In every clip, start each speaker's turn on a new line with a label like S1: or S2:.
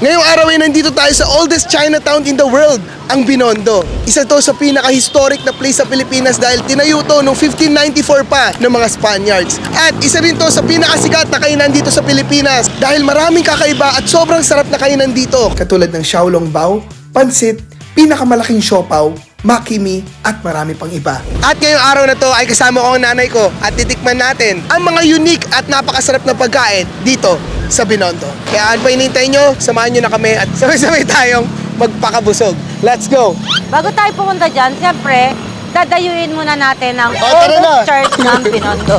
S1: Ngayong araw ay nandito tayo sa oldest Chinatown in the world, ang Binondo. Isa to sa pinaka-historic na place sa Pilipinas dahil tinayo to noong 1594 pa ng mga Spaniards. At isa rin to sa pinakasikat na kainan dito sa Pilipinas dahil maraming kakaiba at sobrang sarap na kainan dito. Katulad ng xiaolongbao, pansit, pinakamalaking siopaw, makimi, at marami pang iba. At ngayong araw na to ay kasama ko ang nanay ko at titikman natin ang mga unique at napakasarap na pagkain dito sa Binondo. Kaya ano pa hinihintay nyo, samahan nyo na kami at sabay-sabay tayong magpakabusog. Let's go!
S2: Bago tayo pumunta dyan, siyempre, dadayuin muna natin ang
S1: tara na.
S2: oldest church ng Binondo.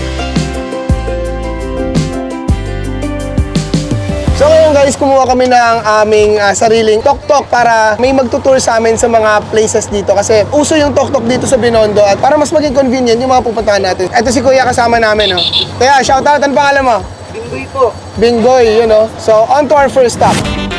S1: So ngayon guys, kumuha kami ng aming sariling tok-tok para may magtutour sa amin sa mga places dito kasi uso yung tok-tok dito sa Binondo at para mas maging convenient yung mga pupuntahan natin. Ito si Kuya kasama namin. Oh. Kaya shoutout, ano pangalan mo?
S3: Binggoy po.
S1: Binggoy, you know. So on to our first stop.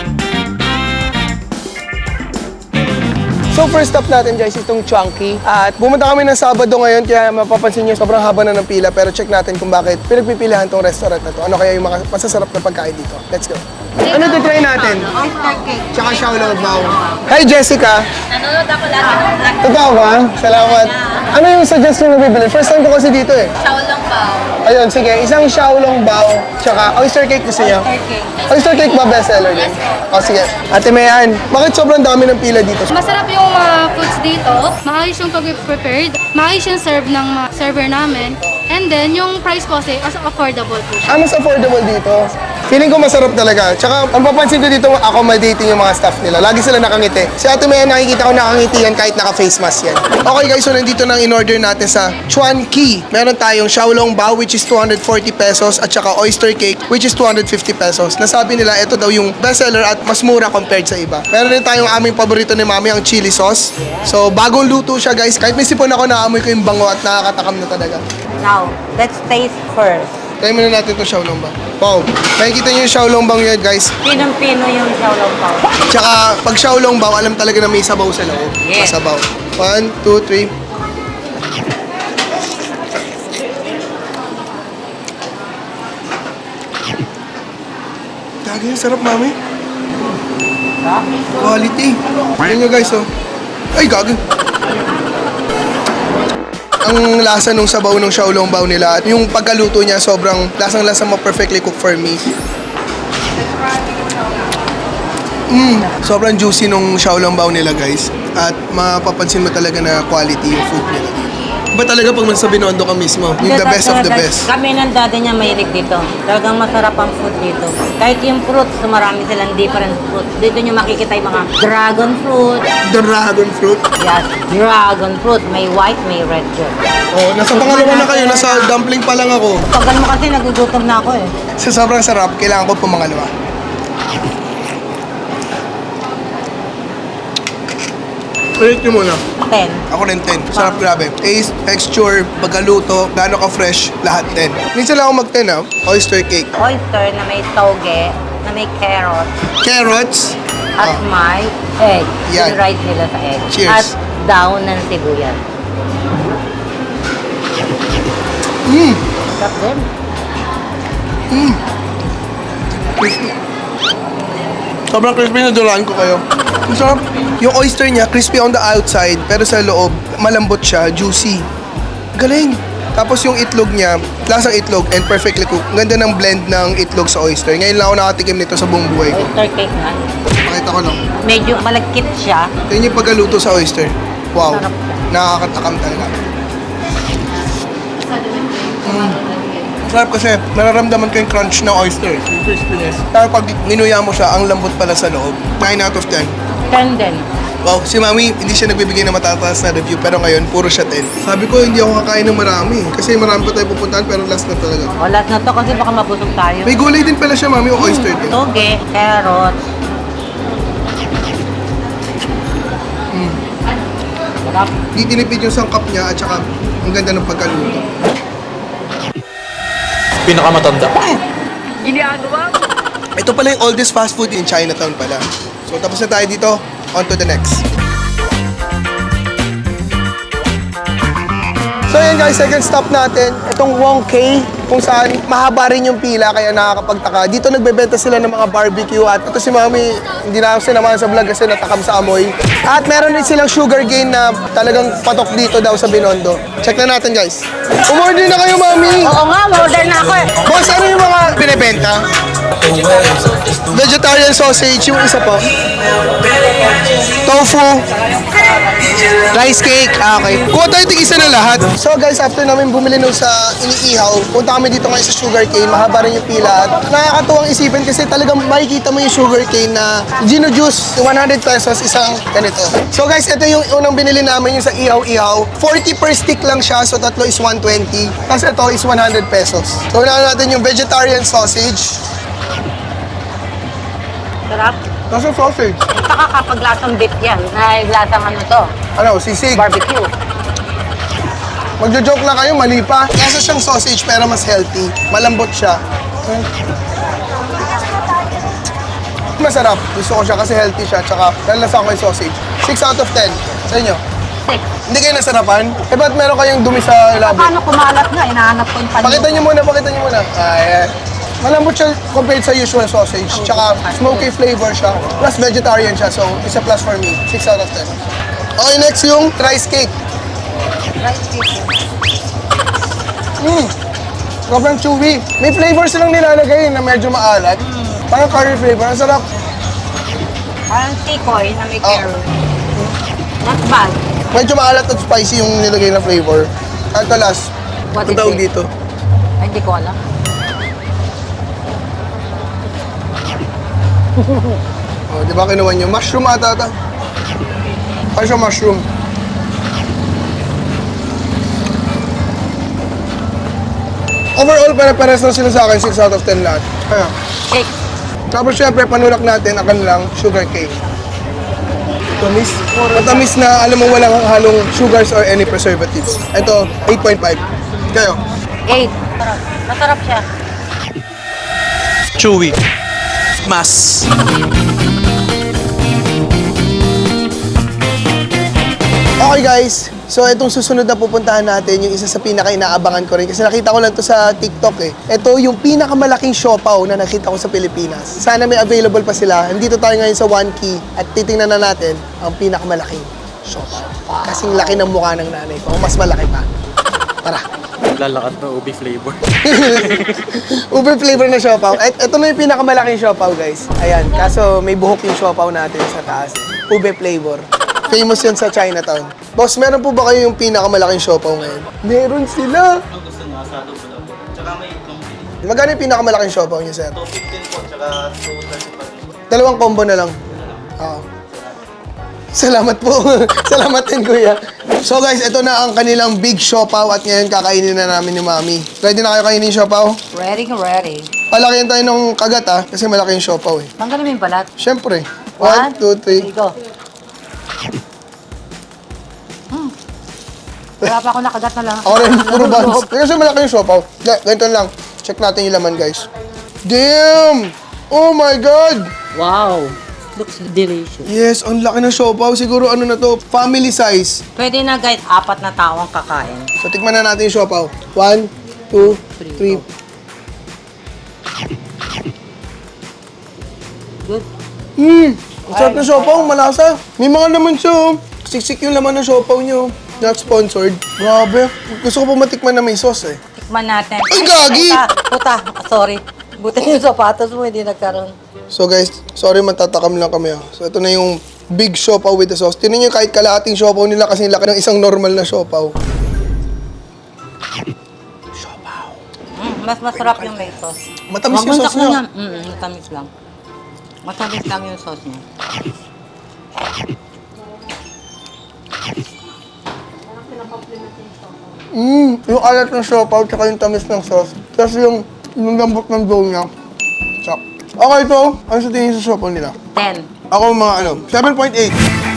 S1: So first stop natin guys, itong Chunky. At pumunta kami ng Sabado ngayon kaya mapapansin nyo sobrang haba na ng pila pero check natin kung bakit pinagpipilihan tong restaurant na to. Ano kaya yung mga masasarap na pagkain dito. Let's go. Ano titry natin?
S2: Oyster cake.
S1: Tsaka xiaolongbao. Hi Jessica!
S2: Nanonood ako lagi ng vlog.
S1: Totoo ba? Salamat. Ano yung suggestion na bibili? First time ko kasi dito eh.
S2: Xiaolongbao.
S1: Ayun, sige. Isang xiaolongbao tsaka oyster cake gusto niyo?
S2: Oyster cake.
S1: Oyster cake ba bestseller din? O sige. Ate Mayan, bakit sobrang dami ng pila dito?
S4: Masarap yung mga foods dito. Maayos yung pag-prepared. Maayos yung serve ng mga server namin. And then, yung price po kasi as affordable po siya.
S1: Mas affordable dito. Feeling ko masarap talaga. Tsaka, ang papansin ko dito, accommodating yung mga staff nila. Lagi sila nakangiti. Si Ate Mayan, nakikita ko nakangiti yan kahit naka-face mask yan. Okay guys, so nandito nang in-order natin sa Chuan Ki. Meron tayong xiaolongbao which is 240 pesos at saka oyster cake which is 250 pesos. Nasabi nila, ito daw yung bestseller at mas mura compared sa iba. Meron din tayong aming paborito ni Mami, ang chili sauce. So, bagong luto siya guys. Kahit may sipon ako, naamoy ko yung bango at nakakatakam na talaga.
S2: Now, let's taste first.
S1: Try muna natin itong xiaolongbao. Wow, nakikita niyo yung xiaolongbao yan guys.
S2: Pinong-pino yung xiaolongbao.
S1: Tsaka pag xiaolongbao, alam talaga na may sabaw sa loob.
S2: Yes.
S1: Masabaw. 1, 2, 3. Gagi, sarap mami. Quality. Yan nyo guys oh. Ay gagi. Ang lasa nung sabaw ng xiaolongbao nila at yung pagkaluto niya sobrang lasang-lasa mo, perfectly cooked for me. Sobrang juicy nung xiaolongbao nila guys at mapapansin mo talaga na quality yung food nila dito. Iba talaga pag sa Binondo ka mismo, yung the best of the best.
S2: Kami ng daddy niya mahilig dito. Talagang masarap ang food dito. Kahit yung fruits, marami silang different fruits. Dito nyo makikita yung mga dragon fruit.
S1: Dragon fruit.
S2: Yes, dragon fruit. May white, may red dyan.
S1: Oh, nasa pangalawa na kayo, nasa dumpling pa lang ako.
S2: Tagal mo kasi nagugutom na ako eh.
S1: Sa sobrang sarap, kailangan ko pumangalawa. Rate nyo muna.
S2: 10.
S1: Ako rin 10. Sarap grabe. Taste, texture, pagkaluto, gaano ka-fresh, lahat 10. Minsan lang ako mag-10 ah. Oyster cake.
S2: Oyster na may toge, na may carrot,
S1: Carrots.
S2: at may egg.
S1: Yan.
S2: Sinride nila sa egg.
S1: Cheers.
S2: At daon ng sibuyas. Sarap din.
S1: Crispy. Sobrang crispy na dulaan ko kayo. Ang sarap. Yung oyster niya, crispy on the outside, pero sa loob, malambot siya, juicy. Galing. Tapos yung itlog niya, lasang itlog and perfectly cooked. Ang ganda ng blend ng itlog sa oyster. Ngayon lang ako nakatikim nito sa buong buhay ko.
S2: Oyster cake nga.
S1: Pakita ko lang.
S2: Medyo malagkit siya.
S1: Yan yung pagkaluto sa oyster. Wow.
S2: Sarap.
S1: Nakakatakam talaga. Sarap kasi nararamdaman ko yung crunch ng oyster. Yung crispiness. Pero pag ninuya mo siya, ang lambot pala sa loob. 9 out of 10.
S2: 10 din.
S1: Wow, si Mami, hindi siya nagbibigay ng matataas na review, pero ngayon, puro siya 10. Sabi ko, hindi ako kakain ng marami. Kasi marami pa tayo pupuntahan, pero last na talaga.
S2: O, last na to kasi baka mabusog tayo.
S1: May gulay din pala siya, Mami, o oyster din.
S2: Toge, carrot. Sarap.
S1: Di tinipid yung sangkap niya, at saka, ang ganda ng pagkaluto.
S3: Pinakamatanda.
S1: Ito pala yung oldest fast food in Chinatown pala. So, tapos na tayo dito. On to the next. So, yan guys, second stop natin. Itong Wong Kei. kung saan mahaba rin yung pila kaya nakakapagtaka. Dito nagbebenta sila ng mga barbecue at ito si Mami, hindi na ako sinamahan sa vlog kasi natakam sa amoy. At meron din silang sugar cane na talagang patok dito daw sa Binondo. Check na natin guys. Umorder na kayo Mami!
S2: Oo nga, order na ako eh.
S1: Boss, ano yung mga binibenta? Vegetarian sausage, yung isa po. Tofu. Rice cake. Okay. Kuha tayo tig-isa na lahat. So guys, after namin bumili nung sa iniihaw, punta kami dito ngayon sa sugar cane. Mahaba rin yung pila. At nakakatuwang isipin kasi talagang makikita mo yung sugar cane na Gino Juice, 100 pesos, isang ganito. So guys, ito yung unang binili namin yung sa ihaw-ihaw. 40 per stick lang siya, so tatlo is 120. Tapos ito is 100 pesos. So unahan natin yung vegetarian sausage.
S2: Sarap.
S1: Nasa sausage?
S2: Saka kapag lasang beef yan, na lasang ano to,
S1: Ano, sisig.
S2: barbecue.
S1: Magjo-joke lang kayo, mali pa. Nasa siyang sausage pero mas healthy. Malambot siya. Masarap. Gusto ko siya kasi healthy siya. Tsaka nalasa ko yung sausage. 6 out of 10. Sa inyo?
S2: 6.
S1: Hindi kayo nasarapan? Eh, ba't meron kayong dumi sa labi?
S2: Paano kumalat nga? Inahanap ko yung panyo.
S1: Pakita niyo muna, pakita niyo muna. Ayan. Malambot siya compared sa usual sausage. Tsaka smoky flavor siya. Plus vegetarian siya. So, it's a plus for me. 6 out of 10. Okay, next yung rice cake.
S2: Rice cake.
S1: Sobrang chewy. May flavor silang nilalagay na medyo maalat. Parang curry flavor. Ang sarap.
S2: Parang tikoy na may
S1: Oh.
S2: carrot. Not bad.
S1: Medyo maalat at spicy yung nilagay na flavor. At the last,
S2: What
S1: ang
S2: is
S1: tawag
S2: it?
S1: dito.
S2: Ay, hindi ko alam.
S1: Oh, di ba kinuha nyo? Mushroom ata ata. Ano siya mushroom? Overall, pare-pares lang sila sa akin. 6 out of 10 lahat. Ayan.
S2: Cake.
S1: Tapos syempre, panulak natin ang kanilang sugar cake. Matamis. Matamis na alam mo walang halong sugars or any preservatives. Ito, 8.5. Kayo?
S2: 8. Masarap. Masarap siya.
S3: Chewy. Mas.
S1: Okay guys, so itong susunod na pupuntahan natin, yung isa sa pinaka-inaabangan ko rin kasi nakita ko lang to sa TikTok eh. Ito yung pinakamalaking siopaw na nakita ko sa Pilipinas. Sana may available pa sila. Nandito tayo ngayon sa One Key at titingnan na natin ang pinakamalaking siopaw. Kasing laki ng mukha ng nanay ko, mas malaki pa. Tara.
S3: Lalakad na ubi flavor.
S1: Uber flavor na siopaw. Ito na yung pinakamalaking siopaw guys. Ayan, kaso may buhok yung siopaw natin sa taas. Ube flavor. Famous yun sa Chinatown. Boss, meron po ba kayo yung pinakamalaking siopaw ngayon? Meron sila!
S3: Gusto nyo, asado po lang po. Tsaka may itong
S1: Magkano yung pinakamalaki siopaw niyo, sir?
S3: 215 po, tsaka 235 po.
S1: Dalawang combo na lang. Oo. Salamat po. Salamat din, kuya. So guys, ito na ang kanilang big siopaw at ngayon kakainin na namin ni Mami. Ready na kayo kainin yung siopaw?
S2: Ready.
S1: Palakihan tayo ng kagat kasi malaki yung siopaw eh.
S2: Tanggalin mo yung balat.
S1: Siyempre. 1, 2, 3.
S2: Go. Wala pa ako nakagat na lang.
S1: Ako rin, puro buns. Kasi malaki yung siopaw. Ganito lang. Check natin yung laman, guys. Damn! Oh my God!
S2: Wow. Looks delicious.
S1: Yes, ang laki ng siopaw. Siguro ano na to, family size.
S2: Pwede na guys, 4 na tao ang kakain.
S1: So, tikman na natin yung siopaw. 1, 2, 3.
S2: Good.
S1: Ang sarap ng siopaw, malasa. May mga laman siya, oh. Siksik yung laman ng siopaw niyo. Not sponsored. Grabe. Gusto ko po matikman na may sauce eh.
S2: Tikman natin.
S1: Ay, gagi!
S2: Puta. Sorry. Buti yung sapatos mo, hindi nagkaroon.
S1: So guys, sorry matatakam lang kami ah. So ito na yung big siopaw with the sauce. Tingnan niyo kahit kalahating siopaw nila kasi laki ng isang normal na siopaw.
S2: Mas masarap yung may sauce.
S1: Matamis yung sauce niya.
S2: Matamis lang. Matamis lang yung sauce niya.
S1: Yung alat ng siopaw tsaka yung tamis ng sauce. Tapos yung lambot ng dough niya. Chop. Okay ito. Ano sa tingin sa siopaw nila?
S2: 10.
S1: Ako mga 7.8.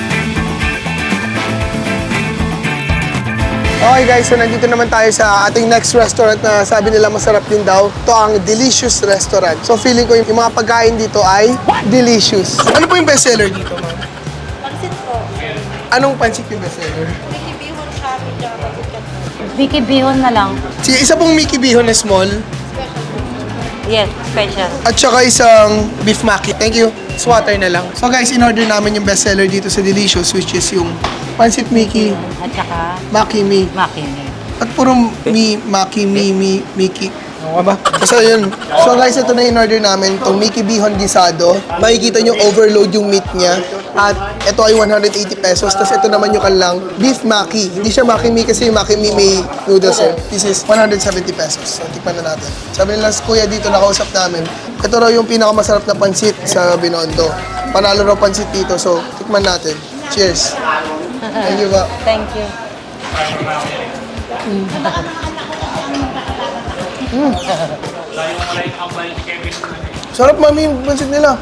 S1: Okay guys, so nandito naman tayo sa ating next restaurant na sabi nila masarap din daw. Ito ang Delicious Restaurant. So feeling ko yung mga pagkain dito ay delicious. Ano po yung bestseller dito, ma'am?
S5: Pansit po.
S1: Anong pansit yung bestseller?
S5: May bihon siya, medyo mabukat.
S2: Vicky Bihon na lang.
S1: Sige, isa pong Mickey Bihon na small.
S2: Yes, special.
S1: At saka isang beef maki. Thank you. Swatter na lang. So guys, in-order namin yung bestseller dito sa Delicious, which is yung Pancit Mickey,
S2: At saka,
S1: Maki Mi.
S2: makini.
S1: At puro mi, Maki, Mi, Mickey. Ano ba? Basta yun. So guys, ito na in-order namin. Itong Mickey Bihon Gisado. Makikita nyo overload yung meat niya. At ito ay 180 pesos. Tapos ito naman yung kanilang beef maki. Hindi siya Maki Mi kasi yung Maki Mi may noodles eh. This is 170 pesos. So tikman na natin. Sabi nila sa kuya dito, nakausap namin. Ito raw yung pinakamasarap na pansit sa Binondo. Panalo raw pansit dito. So tikman natin. Cheers. Thank you ba?
S2: Thank you.
S1: Sarap mami yung pansit nila.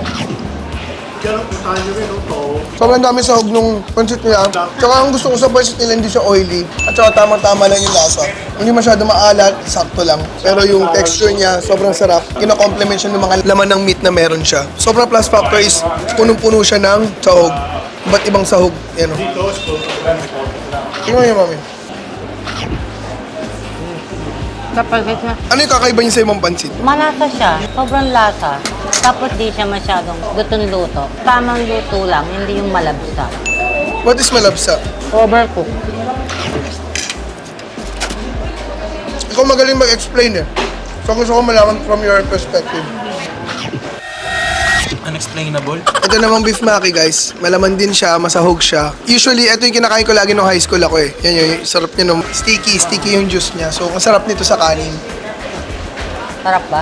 S1: Sobrang dami sahog nung pansit nila. Tsaka ang gusto ko sa pansit nila, hindi siya oily. At saka tamang-tama lang yung lasa. Hindi masyado maalat, sakto lang. Pero yung texture niya, sobrang sarap. Kino-complement siya ng mga laman ng meat na meron siya. Sobrang plus factor is punong-puno siya ng sahog. Iba't ibang sahog. Yan o. Tingnan niyo mami.
S2: Kapag siya,
S1: Ano yung kakaiba niya sa ibang pansit?
S2: malasa siya. Sobrang lasa. Tapos di siya masyadong gutong luto. Tamang luto lang, hindi yung malabsa.
S1: What is malabsa?
S2: Overcook.
S1: Ikaw magaling mag-explain eh. So gusto ko malaman from your perspective.
S3: Unexplainable.
S1: Ito namang beef maki guys, malaman din siya, masahog siya. Usually, ito yung kinakain ko lagi nung high school ako eh. Yan yung sarap niya nung sticky yung juice niya. So, ang sarap nito sa kanin.
S2: Sarap ba?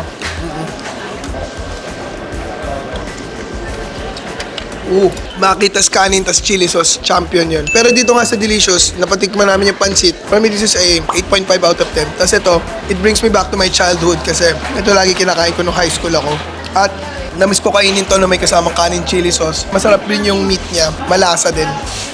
S1: Maki, tas kanin, tas chili sauce, champion yun. Pero dito nga sa Delicious, napatikman namin yung pancit. For me, this is a 8.5 out of 10. Tas ito, it brings me back to my childhood kasi ito lagi kinakain ko nung high school ako. At namiss ko kainin to na may kasamang kanin, chili sauce. Masarap din yung meat niya, malasa din.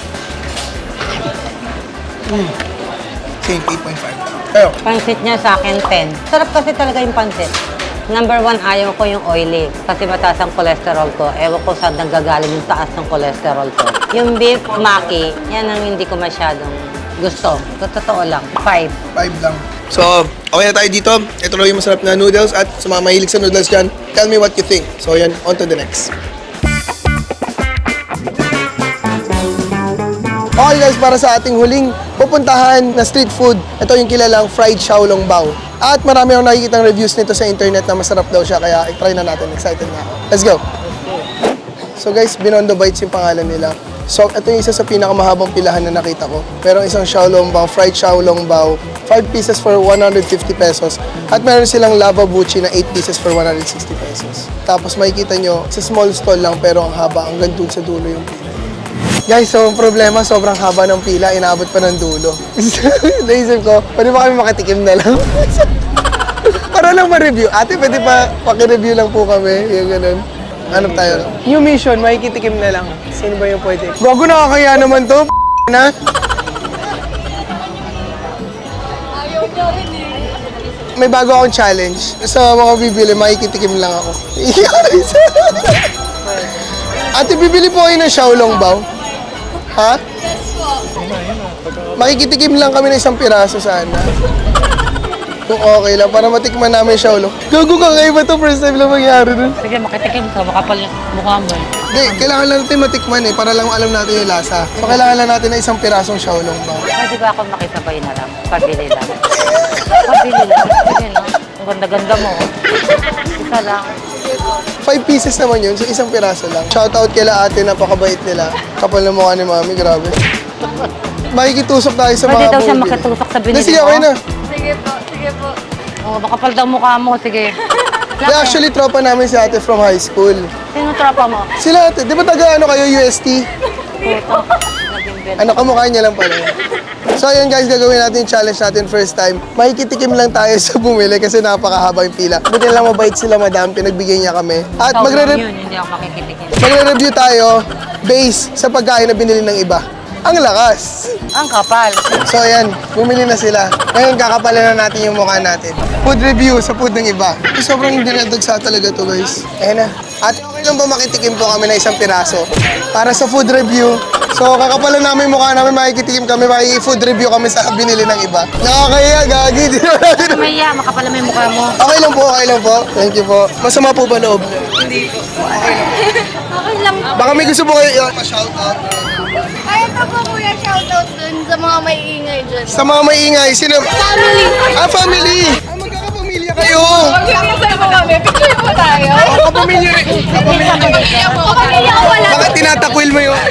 S1: Same, 8.5. Ayo.
S2: Pansit niya sa akin, 10. Sarap kasi talaga yung pansit. Number 1, ayaw ko yung oily. Kasi mataas ang cholesterol ko. Ewan ko saan nanggagaling yung taas ng cholesterol ko. Yung beef maki, yan ang hindi ko masyadong gusto. Totoo lang. 5.
S1: 5 lang. So, okay na tayo dito. Ito na yung masarap na noodles at sa mga mahilig sa noodles dyan, tell me what you think. So, yan, on to the next. Okay guys, para sa ating huling pupuntahan na street food, ito yung kilalang fried xiaolong bao. At marami akong nakikita reviews nito sa internet na masarap daw siya, kaya i-try na natin. Excited na ako. Let's go! So guys, Binondo Bites yung pangalan nila. So, ito yung isa sa pinakamahabang pilahan na nakita ko. Merong isang xiaolong bao, fried xiaolong bao, 5 pieces for 150 pesos. At meron silang lava buchi na 8 pieces for 160 pesos. Tapos makikita nyo, sa small stall lang pero ang haba, hanggang dun sa dulo yung pila. Guys, so ang problema, sobrang haba ng pila, inaabot pa ng dulo. Naisip ko, pwede ba kami makatikim na lang? Para lang ma-review. Ate, pwede pa paki-review lang po kami. Yung ganun. Hanap tayo. New mission, makikitikim na lang. Sino ba yung pwede? Bago nakakaya naman to, na? May bago akong challenge. Sa mga bibili, makikitikim lang ako. Ate, bibili po kayo ng xiaolong bao? Ha? Makikitikim lang kami ng isang piraso sana. Kung okay lang, para matikman namin xiaolong. Gago ka, kayo ba ito? First time lang mangyari nun.
S2: Sige, makitikim ka. Makapal yung mukha mo eh.
S1: Hindi, kailangan lang natin matikman eh, para lang alam natin yung lasa. So, kailangan lang natin ng isang pirasong xiaolong bao.
S2: Pwede ba ako makisabay na lang? Pabili lang. Pabili lang. Sige, no? Ang ganda-ganda mo. Isa lang.
S1: 5 pieces naman yun, so isang piraso lang. Shoutout kila ate, napakabait nila. Kapal na mukha ni mami, grabe. Makikitusok tayo sa
S2: Pwede
S1: mga
S2: daw siya
S1: bumibili.
S2: makitusok sa binili
S1: Hindi, sige,
S2: mo?
S1: okay na.
S4: Sige po.
S2: Oh, makapal daw mukha mo. Sige.
S1: Kaya actually, tropa namin si ate from high school.
S2: Sino tropa mo?
S1: Sila ate, di ba taga ano kayo, UST?
S2: Puto. Naging bed.
S1: Ano, kamukha niya lang pala. So ayun guys, gagawin natin yung challenge natin first time. Makikitikim lang tayo sa bumili kasi napakahaba yung pila. Buti lang mabait sila madam, pinagbigyan niya kami. At
S2: Ikaw lang yun, hindi ako makikitikin.
S1: magre-review tayo based sa pagkain na binili ng iba. Ang lakas!
S2: Ang kapal.
S1: So ayan, bumili na sila. Ngayon kakapalan na natin yung mukha natin. Food review sa food ng iba. Sobrang dinadagsa talaga to guys. Ayan na. At okay lang ba makitikim po kami na isang piraso? Para sa food review, So, kakapalan namin yung mukha namin, makikitikim kami, food review kami sa binili ng iba. Nakakaya, gagi. Di naman natin.
S2: Maya, makapala mo yung mukha mo.
S1: Okay lang po, okay lang po. Thank you po. Masama po ba loob?
S4: Okay lang.
S1: Baka may gusto po kayo pa-shoutout.
S5: Ay, ito po kuya, shoutout dun sa mga may ingay dyan.
S1: Sa mga maingay, sino?
S5: Family!
S1: Ah, family! Ah, magkakapamilya kayo!
S5: Magkakasal po kami, picture po tayo.
S1: Kapamilya rin.
S5: Kapamilya po. Kapamilya ko wala.
S1: Bakit tinatakwil mo yung...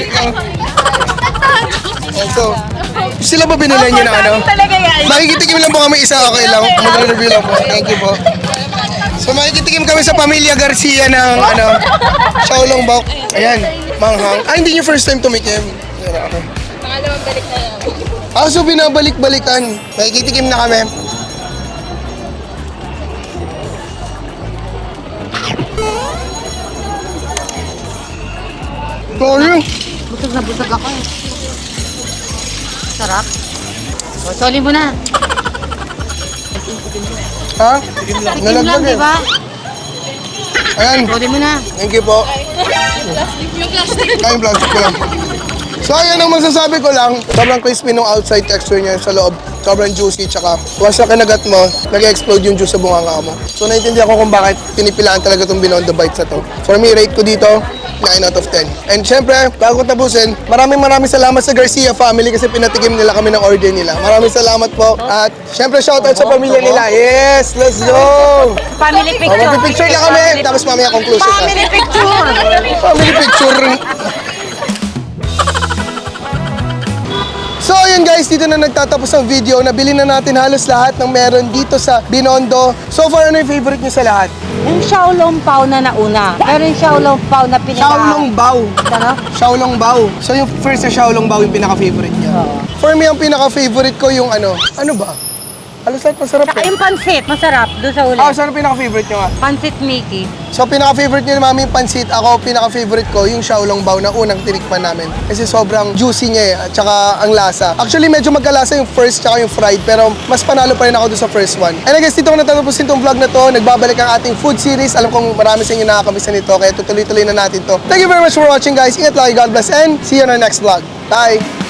S1: So, sila ba binila niyo na ano?
S5: Talaga yan.
S1: Makikitikim lang po kami isa, okay lang. Magre-review lang po. Thank you po. So makikitikim kami sa Pamilya Garcia ng ano, Xiaolong Bao. Ayan, manghang. Ah, hindi niyo first time tumikim. Ayan, okay.
S5: Pangalawang balik na lang.
S1: Ah, so binabalik-balikan. Makikitikim na kami. Sorry.
S2: Busog na busog ako eh. Sarap. O, soli mo na.
S1: Ha?
S2: Tikim lang,
S1: Nalaglag
S2: di
S1: eh.
S2: ba?
S1: Ayan,
S2: Soli mo na.
S1: thank you po.
S5: Yung plastic.
S1: Ay, yung plastic ko lang. So ayan ang masasabi ko lang, sobrang crispy nung outside texture niya sa loob. Sobrang juicy, tsaka once na kinagat mo, nag-explode yung juice sa bunganga mo. So naiintindihan ko kung bakit pinipilaan talaga itong Binondo Bites na to. For me, rate ko dito, 9 out of 10. And syempre, bago ko tapusin, maraming salamat sa Garcia family kasi pinatikim nila kami ng order nila. Maraming salamat po. At syempre, shoutout sa pamilya nila. Yes, let's go!
S2: Family picture.
S1: Mag-picture na kami, tapos mamaya conclusion na.
S2: Family picture.
S1: Family picture. So ayun guys, dito na nagtatapos ang video. Nabili na natin halos lahat ng meron dito sa Binondo. So far, ano yung favorite niyo sa lahat?
S2: Yung Xiaolong Pao na nauna. Pero yung Xiaolong Pao na pinaka...
S1: Xiaolong Bao.
S2: Ano?
S1: Xiaolong Bao. So yung first na Xiaolong Bao yung pinaka-favorite niya. For me, ang pinaka-favorite ko yung ano ba? Halos lahat masarap
S2: Saka
S1: eh.
S2: yung pansit, masarap. Doon sa uli.
S1: Ah, saan ang pinaka-favorite niyo nga?
S2: Pansit Mickey.
S1: So pinaka-favorite niyo ni Mami yung pansit. Ako, pinaka-favorite ko yung Xiaolong Bao na unang tinikman namin. Kasi sobrang juicy niya eh, at saka ang lasa. Actually, medyo magkalasa yung first tsaka yung fried, pero mas panalo pa rin ako doon sa first one. And I guess dito ko natatapusin tong vlog na to. Nagbabalik ang ating food series. Alam kong marami sa inyo nakakamiss na nito, kaya tutuloy-tuloy na natin to. Thank you very much for watching guys. Ingat lagi, God bless, and see you on our next vlog. Bye!